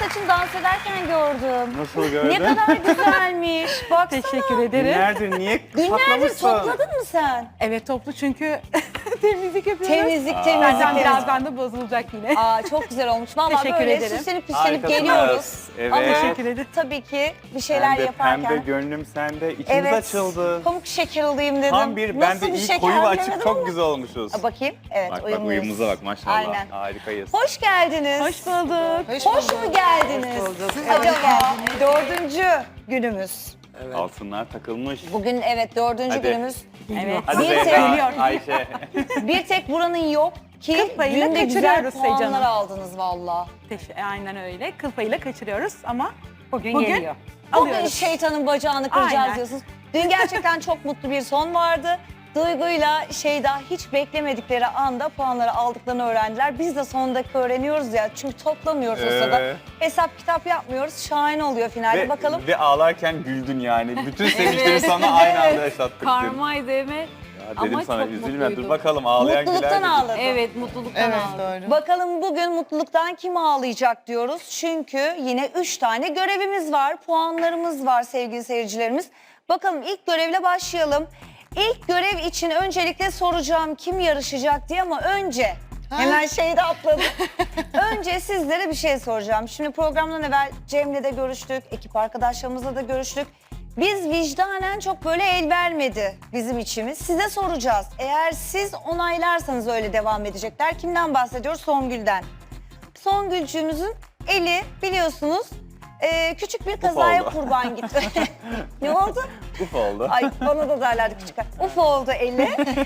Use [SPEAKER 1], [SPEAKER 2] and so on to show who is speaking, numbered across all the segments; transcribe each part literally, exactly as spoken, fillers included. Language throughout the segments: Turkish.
[SPEAKER 1] için dans ederken gördüm.
[SPEAKER 2] Nasıl gördün?
[SPEAKER 1] Ne kadar güzelmiş. Baksana.
[SPEAKER 3] Teşekkür ederim.
[SPEAKER 2] Günlerdir niye
[SPEAKER 1] Günlerdir
[SPEAKER 2] saklamışsın?
[SPEAKER 1] topladın mı sen?
[SPEAKER 3] Evet toplu çünkü temizlik yapıyoruz.
[SPEAKER 1] Temizlik,
[SPEAKER 2] Aa.
[SPEAKER 1] temizlik,
[SPEAKER 3] Zaten
[SPEAKER 1] temizlik.
[SPEAKER 3] birazdan da bozulacak yine.
[SPEAKER 1] Aa, çok güzel olmuş. Vallahi
[SPEAKER 3] Teşekkür
[SPEAKER 1] böyle
[SPEAKER 3] ederim.
[SPEAKER 1] süslenip püslenip
[SPEAKER 2] Harikasınız.
[SPEAKER 1] geliyoruz.
[SPEAKER 2] Evet.
[SPEAKER 1] Ama
[SPEAKER 3] Teşekkür ederim.
[SPEAKER 1] tabii ki bir şeyler
[SPEAKER 2] Pembe,
[SPEAKER 1] yaparken.
[SPEAKER 2] pembe gönlüm sende. İçimiz
[SPEAKER 1] Evet.
[SPEAKER 2] açıldı.
[SPEAKER 1] Pamuk şeker alayım dedim.
[SPEAKER 2] Tam bir, ben
[SPEAKER 1] Nasıl
[SPEAKER 2] de
[SPEAKER 1] bir
[SPEAKER 2] ilk
[SPEAKER 1] şeker
[SPEAKER 2] koyu ve açık
[SPEAKER 1] bilemedim
[SPEAKER 2] çok
[SPEAKER 1] ama.
[SPEAKER 2] güzel olmuşuz.
[SPEAKER 1] Aa, bakayım. Evet,
[SPEAKER 2] Bak bak
[SPEAKER 1] uyumluyuz.
[SPEAKER 2] uyumumuza bak maşallah.
[SPEAKER 1] Aynen.
[SPEAKER 2] Harikayız.
[SPEAKER 1] Hoş geldiniz.
[SPEAKER 3] Hoş bulduk.
[SPEAKER 1] Hoş, mu geldiniz?
[SPEAKER 4] Hoş bulduk.
[SPEAKER 1] Hadi bakalım. Dördüncü günümüz.
[SPEAKER 2] Altınlar takılmış.
[SPEAKER 1] Bugün evet dördüncü
[SPEAKER 2] Hadi.
[SPEAKER 1] günümüz.
[SPEAKER 3] Evet.
[SPEAKER 2] Hadi
[SPEAKER 1] Bir
[SPEAKER 2] Zehra,
[SPEAKER 3] geliyor.
[SPEAKER 2] Ayşe.
[SPEAKER 1] Bir tek buranın yok ki
[SPEAKER 3] Kıl payıyla
[SPEAKER 1] günde güzel
[SPEAKER 3] kaçırıyoruz
[SPEAKER 1] puanlar
[SPEAKER 3] Seycan'ı.
[SPEAKER 1] aldınız valla.
[SPEAKER 3] Teş- Aynen öyle. Kıl payıyla kaçırıyoruz ama
[SPEAKER 1] Bugün,
[SPEAKER 3] Bugün
[SPEAKER 1] geliyor. Bugün
[SPEAKER 3] alıyoruz.
[SPEAKER 1] şeytanın bacağını kıracağız
[SPEAKER 3] Aynen.
[SPEAKER 1] diyorsunuz. Dün gerçekten çok mutlu bir son vardı. Duygu'yla Şeyda hiç beklemedikleri anda puanları aldıklarını öğrendiler. Biz de son dakika öğreniyoruz ya. Çünkü toplamıyoruz o sırada.
[SPEAKER 2] Ee?
[SPEAKER 1] Hesap kitap yapmıyoruz. Şahane oluyor finalde.
[SPEAKER 2] ve,
[SPEAKER 1] Bakalım.
[SPEAKER 2] ve ağlarken güldün yani. Bütün sevinçleri sana aynı anda yaşattık dün.
[SPEAKER 5] Karmaydı evet.
[SPEAKER 2] Ya
[SPEAKER 5] Ama
[SPEAKER 2] dedim sana
[SPEAKER 5] çok
[SPEAKER 2] üzülme dur
[SPEAKER 5] mutluydum.
[SPEAKER 2] bakalım ağlayan güler
[SPEAKER 1] Mutluluktan
[SPEAKER 2] dedim.
[SPEAKER 1] ağladı.
[SPEAKER 5] Evet mutluluktan
[SPEAKER 4] Evet
[SPEAKER 5] aldım.
[SPEAKER 4] doğru.
[SPEAKER 1] Bakalım bugün mutluluktan kim ağlayacak diyoruz. Çünkü yine üç tane görevimiz var, puanlarımız var sevgili seyircilerimiz. Bakalım ilk görevle başlayalım. İlk görev için öncelikle soracağım kim yarışacak diye ama önce hemen şeyde atladım. Önce sizlere bir şey soracağım. Şimdi programdan evvel Cem'le de görüştük, ekip arkadaşlarımızla da görüştük. Biz vicdanen çok böyle el vermedi bizim içimiz. Size soracağız. Eğer siz onaylarsanız öyle devam edecekler. Kimden bahsediyoruz? Songül'den. Songülcüğümüzün eli biliyorsunuz e, küçük bir kazaya
[SPEAKER 2] oldu.
[SPEAKER 1] kurban gitti. Ne oldu?
[SPEAKER 2] Uf oldu.
[SPEAKER 1] Ay bana da derlerdi küçük. Uf oldu eli.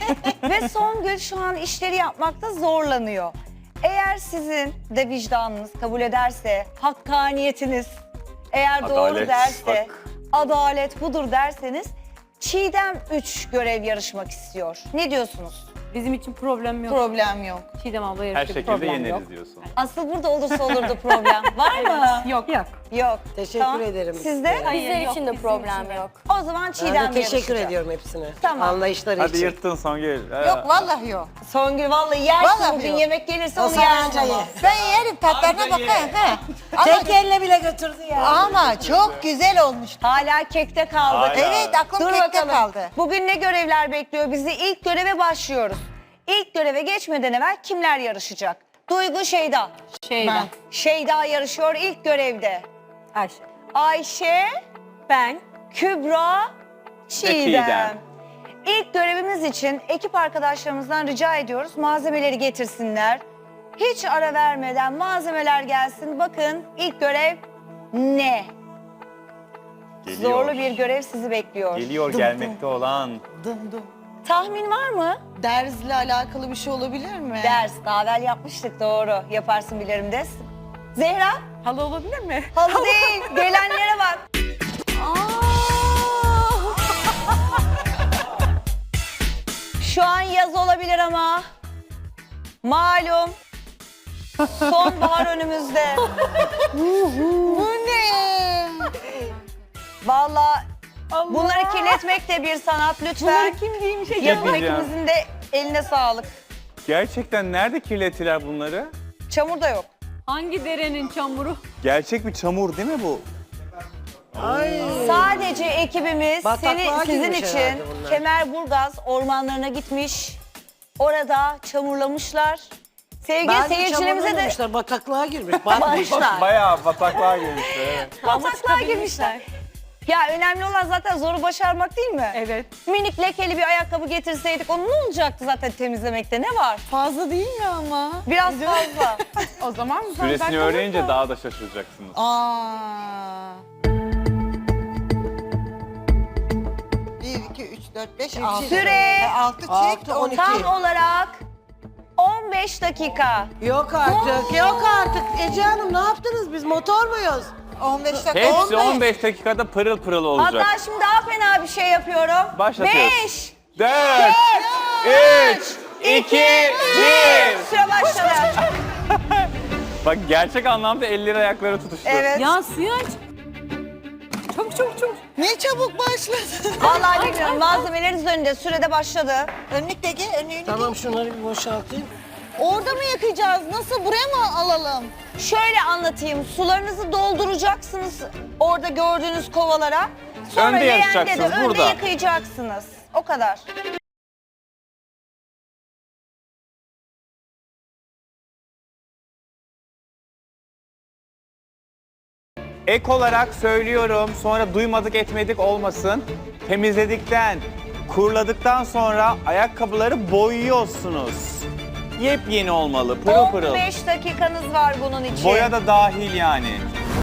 [SPEAKER 1] Ve Songül şu an işleri yapmakta zorlanıyor. Eğer sizin de vicdanınız kabul ederse, hakkaniyetiniz eğer doğru
[SPEAKER 2] Adalet,
[SPEAKER 1] derse,
[SPEAKER 2] bak.
[SPEAKER 1] adalet budur derseniz Çiğdem üç görev yarışmak istiyor. Ne diyorsunuz?
[SPEAKER 5] Bizim için problem yok.
[SPEAKER 4] Problem yok.
[SPEAKER 5] Çiğdem abla
[SPEAKER 2] Her
[SPEAKER 5] yarışacak
[SPEAKER 2] şekilde
[SPEAKER 5] problem
[SPEAKER 2] yeneriz
[SPEAKER 5] yok.
[SPEAKER 2] diyorsun.
[SPEAKER 1] Asıl burada olursa olurdu problem. Var mı?
[SPEAKER 3] yok. Yok.
[SPEAKER 1] Yok.
[SPEAKER 6] Teşekkür
[SPEAKER 1] Tamam.
[SPEAKER 6] ederim.
[SPEAKER 1] Sizde?
[SPEAKER 5] Bizler
[SPEAKER 3] yok,
[SPEAKER 5] için de
[SPEAKER 3] bizim
[SPEAKER 5] problem
[SPEAKER 3] için de.
[SPEAKER 5] yok.
[SPEAKER 1] O zaman
[SPEAKER 6] Ben
[SPEAKER 1] Çiğdem
[SPEAKER 6] de teşekkür
[SPEAKER 1] yarışacak.
[SPEAKER 6] ediyorum hepsine.
[SPEAKER 1] Tamam.
[SPEAKER 6] Anlayışları
[SPEAKER 2] Hadi
[SPEAKER 6] için.
[SPEAKER 2] yırttın Songül.
[SPEAKER 4] Yok vallahi yok.
[SPEAKER 1] Songül vallahi yersin
[SPEAKER 4] Vallahi
[SPEAKER 1] bugün
[SPEAKER 4] yok.
[SPEAKER 1] yemek gelirse
[SPEAKER 6] O
[SPEAKER 1] onu
[SPEAKER 6] sen
[SPEAKER 1] yersin
[SPEAKER 6] anca
[SPEAKER 1] ama.
[SPEAKER 6] ye.
[SPEAKER 4] Ben yerim tatlarına bakayım. He. Ama,
[SPEAKER 6] Tek elle bile götürdü ya.
[SPEAKER 4] ama çok güzel olmuş.
[SPEAKER 1] Hala kekte kaldık.
[SPEAKER 2] Hala.
[SPEAKER 4] Evet aklım
[SPEAKER 1] Dur
[SPEAKER 4] kekte
[SPEAKER 1] bakalım.
[SPEAKER 4] kaldı.
[SPEAKER 1] Bugün ne görevler bekliyor bizi? İlk göreve başlıyoruz. İlk göreve geçmeden evvel kimler yarışacak? Duygu, Şeyda.
[SPEAKER 5] Şeyden.
[SPEAKER 4] Ben.
[SPEAKER 1] Şeyda yarışıyor ilk görevde.
[SPEAKER 3] Ayşe.
[SPEAKER 1] Ayşe,
[SPEAKER 3] Ben.
[SPEAKER 1] Kübra, Çiğdem.
[SPEAKER 2] Çiğdem.
[SPEAKER 1] İlk görevimiz için ekip arkadaşlarımızdan rica ediyoruz malzemeleri getirsinler. Hiç ara vermeden malzemeler gelsin. Bakın ilk görev ne?
[SPEAKER 2] Geliyor.
[SPEAKER 1] Zorlu bir görev sizi bekliyor.
[SPEAKER 2] Geliyor gelmekte olan.
[SPEAKER 4] Dım dım.
[SPEAKER 1] Tahmin var mı?
[SPEAKER 4] Dersle alakalı bir şey olabilir mi?
[SPEAKER 1] Ders. Daha evvel yapmıştık doğru. Yaparsın bilirim des. Zehra?
[SPEAKER 3] Halı olabilir mi?
[SPEAKER 1] Halı değil. Gelenlere bak. Şu an yaz olabilir ama malum sonbahar önümüzde.
[SPEAKER 4] Bu ne?
[SPEAKER 1] Vallahi bunları kirletmek de bir sanat lütfen.
[SPEAKER 3] Bunları kim giymiş?
[SPEAKER 2] Şey
[SPEAKER 1] Yapım
[SPEAKER 2] diyeceğim.
[SPEAKER 1] ekibimizin de eline sağlık.
[SPEAKER 2] Gerçekten nerede kirlettiler bunları?
[SPEAKER 1] Çamur da yok.
[SPEAKER 5] Hangi derenin çamuru?
[SPEAKER 2] Gerçek bir çamur değil mi bu?
[SPEAKER 1] Sadece ekibimiz
[SPEAKER 6] Bataklığa
[SPEAKER 1] seni, sizin
[SPEAKER 6] girmiş
[SPEAKER 1] için
[SPEAKER 6] herhalde bunlar.
[SPEAKER 1] Kemerburgaz ormanlarına gitmiş. Orada çamurlamışlar. Sevgili
[SPEAKER 6] Bence
[SPEAKER 1] seyircilerimize de
[SPEAKER 6] çamurlamamışlar, bataklığa girmiş. Batmışlar.
[SPEAKER 2] Bayağı bataklığa girmişler. Evet.
[SPEAKER 1] bataklığa girmişler. Ya önemli olan zaten zoru başarmak değil mi?
[SPEAKER 3] Evet.
[SPEAKER 1] Minik lekeli bir ayakkabı getirseydik onun ne olacaktı zaten temizlemekte ne var?
[SPEAKER 4] Fazla değil mi ama?
[SPEAKER 1] Biraz fazla.
[SPEAKER 3] O zaman
[SPEAKER 2] Süresini
[SPEAKER 3] zaten
[SPEAKER 2] öğrenince
[SPEAKER 3] olursa-
[SPEAKER 2] daha da şaşıracaksınız.
[SPEAKER 4] Aa. Bir, iki, üç, dört, beş, altı.
[SPEAKER 1] Süre
[SPEAKER 4] Altı çift,
[SPEAKER 6] Altı,
[SPEAKER 4] on
[SPEAKER 6] on
[SPEAKER 4] iki.
[SPEAKER 6] iki.
[SPEAKER 1] tam olarak on beş dakika.
[SPEAKER 6] Yok artık, yok artık. Ece Hanım ne yaptınız? Biz motor muyuz?
[SPEAKER 4] on beş dakika.
[SPEAKER 2] Hepsi on beş dakikada pırıl pırıl olacak.
[SPEAKER 1] Hatta şimdi daha fena bir şey yapıyorum.
[SPEAKER 2] Başlatıyoruz.
[SPEAKER 1] beş,
[SPEAKER 2] Dört, üç, iki, bir.
[SPEAKER 1] süre başladı.
[SPEAKER 2] Bak gerçek anlamda elleri ayakları tutuştu.
[SPEAKER 1] Evet.
[SPEAKER 5] Ya suyu aç. Çabuk çabuk çabuk.
[SPEAKER 4] Ne çabuk başladı.
[SPEAKER 1] Vallahi bilmiyorum malzemeleriniz önünde sürede başladı.
[SPEAKER 4] Önlük de gel, önlüğünü
[SPEAKER 6] Tamam şunları bir boşaltayım.
[SPEAKER 1] Orada mı yıkayacağız? Nasıl? Buraya mı alalım? Şöyle anlatayım. Sularınızı dolduracaksınız orada gördüğünüz kovalara. Sonra
[SPEAKER 2] Önde
[SPEAKER 1] leğende de
[SPEAKER 2] yarışacaksınız,
[SPEAKER 1] önde
[SPEAKER 2] burada.
[SPEAKER 1] yıkayacaksınız. O kadar.
[SPEAKER 2] Ek olarak söylüyorum, sonra duymadık etmedik olmasın. Temizledikten, kuruladıktan sonra ayakkabıları boyuyorsunuz. Yepyeni olmalı, pırıl pırıl.
[SPEAKER 1] on beş dakikanız var bunun için.
[SPEAKER 2] Boya da dahil yani.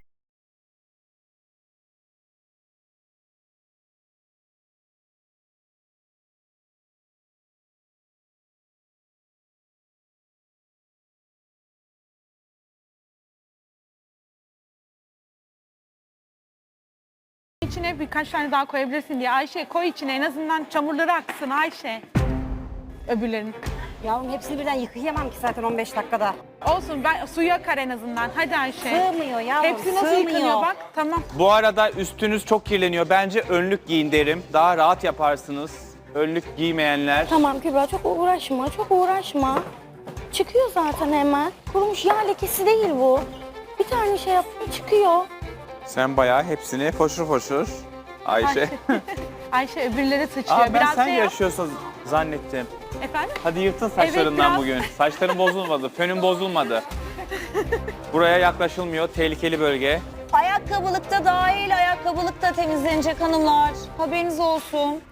[SPEAKER 3] İçine birkaç tane daha koyabilirsin diye. Ayşe koy içine, en azından çamurları aksın Ayşe. Öbürlerin.
[SPEAKER 5] Yavrum hepsini birden yıkayamam ki zaten on beş dakikada.
[SPEAKER 3] Olsun, ben suyu akar en azından. Hadi Ayşe.
[SPEAKER 5] Sığmıyor yavrum,
[SPEAKER 3] Hepsi nasıl
[SPEAKER 5] sığmıyor.
[SPEAKER 3] yıkanıyor bak. Tamam.
[SPEAKER 2] Bu arada üstünüz çok kirleniyor. Bence önlük giyin derim. Daha rahat yaparsınız. Önlük giymeyenler.
[SPEAKER 7] Tamam Kübra çok uğraşma, çok uğraşma. Çıkıyor zaten hemen. Kurumuş yağ lekesi değil bu. Bir tane şey yaptım çıkıyor.
[SPEAKER 2] Sen bayağı hepsini foşur foşur. Ayşe.
[SPEAKER 3] Ayşe öbürleri sıçrıyor.
[SPEAKER 2] Aa, ben
[SPEAKER 3] Biraz
[SPEAKER 2] sen
[SPEAKER 3] şey yap.
[SPEAKER 2] yaşıyorsun zannettim.
[SPEAKER 3] Efendim?
[SPEAKER 2] Hadi yırtın saçlarından
[SPEAKER 3] biraz.
[SPEAKER 2] bugün. Saçların bozulmadı, fönün bozulmadı. Buraya yaklaşılmıyor, tehlikeli bölge.
[SPEAKER 1] Ayakkabılıkta dahil, ayakkabılıkta temizlenecek hanımlar. Haberiniz olsun.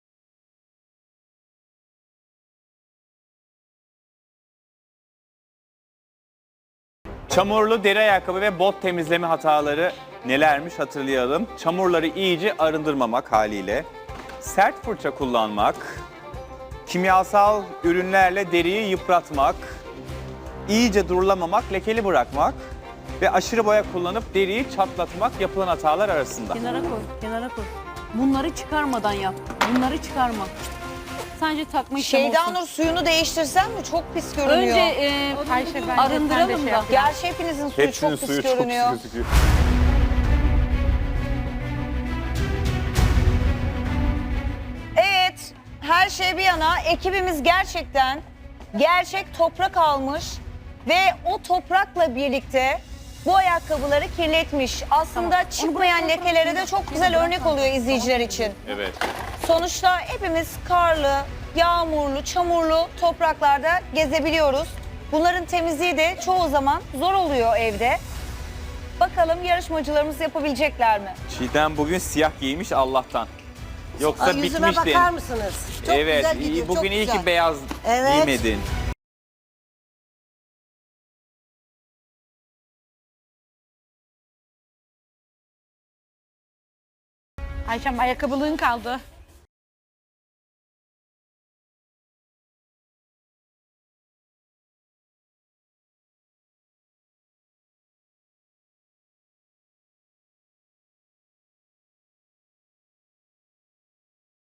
[SPEAKER 2] Çamurlu deri ayakkabı ve bot temizleme hataları nelermiş hatırlayalım. Çamurları iyice arındırmamak haliyle. Sert fırça kullanmak. Kimyasal ürünlerle deriyi yıpratmak. İyice durulamamak, lekeli bırakmak. Ve aşırı boya kullanıp deriyi çatlatmak yapılan hatalar arasında.
[SPEAKER 5] Kenara koy, kenara koy. Bunları çıkarmadan yap. Bunları çıkarma. Sadece takma işlemi
[SPEAKER 1] Şeyda
[SPEAKER 5] olsun.
[SPEAKER 1] Nur suyunu değiştirsen mi? Çok pis görünüyor.
[SPEAKER 5] Önce e,
[SPEAKER 3] Ayşe bence sen de
[SPEAKER 5] arındıralım
[SPEAKER 3] şey
[SPEAKER 5] da.
[SPEAKER 3] yap.
[SPEAKER 1] Gerçi hepinizin suyu
[SPEAKER 2] Hepsinin
[SPEAKER 1] çok pis
[SPEAKER 2] suyu çok
[SPEAKER 1] görünüyor.
[SPEAKER 2] pis gözüküyor.
[SPEAKER 1] Evet, her şey bir yana ekibimiz gerçekten gerçek toprak almış ve o toprakla birlikte bu ayakkabıları kirletmiş. Aslında çıkmayan lekelere de çok güzel örnek oluyor izleyiciler için.
[SPEAKER 2] Evet.
[SPEAKER 1] Sonuçta hepimiz karlı, yağmurlu, çamurlu topraklarda gezebiliyoruz. Bunların temizliği de çoğu zaman zor oluyor evde. Bakalım yarışmacılarımız yapabilecekler mi?
[SPEAKER 2] Çiğdem bugün siyah giymiş Allah'tan. Yoksa
[SPEAKER 6] Ay, yüzüme
[SPEAKER 2] bitmiştin.
[SPEAKER 6] bakar mısınız?
[SPEAKER 4] Çok
[SPEAKER 2] Evet,
[SPEAKER 4] güzel gidiyor,
[SPEAKER 2] iyi, bugün
[SPEAKER 4] çok
[SPEAKER 2] iyi
[SPEAKER 4] güzel.
[SPEAKER 2] ki beyaz
[SPEAKER 6] Evet.
[SPEAKER 2] giymedin.
[SPEAKER 3] Ayşem ayakkabılığın kaldı.